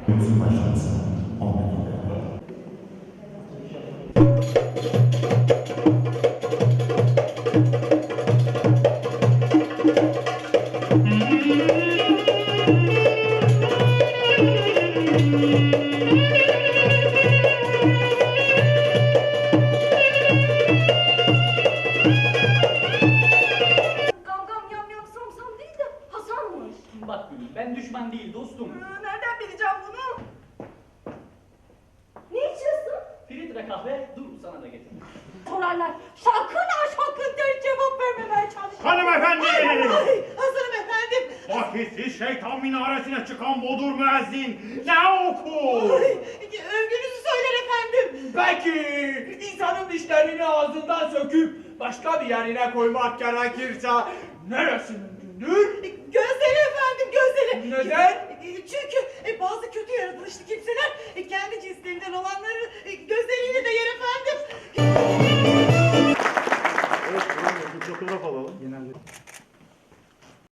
Oyunumuzun başlamasına 10 dakika var. Gam yam yam sam sam değil de Hasan'mış. Bak Gülüm, ben düşman değil dostum. Nereden bileceğim bunu? Ne içiyorsun? Filtre kahve, dur sana da getir. Sorarlar. Sakın ha sakın der cevap vermemeye çalış. Hanımefendi! Hazırım efendim. Vakitsiz şeytan minaresine çıkan bodur müezzin ne oku? Övgünüzü söyler efendim. Belki insanın dişlerini ağzından söküp başka bir yerine koymak gerekirse neresi mümkündür? Gözleri efendim gözleri. Neden? Çünkü bazı kötü yaratılışlı kimseler kendi cinslerinden olanları gözleriyle de yer efendim. Evet, bir fotoğraf alalım. Genelde.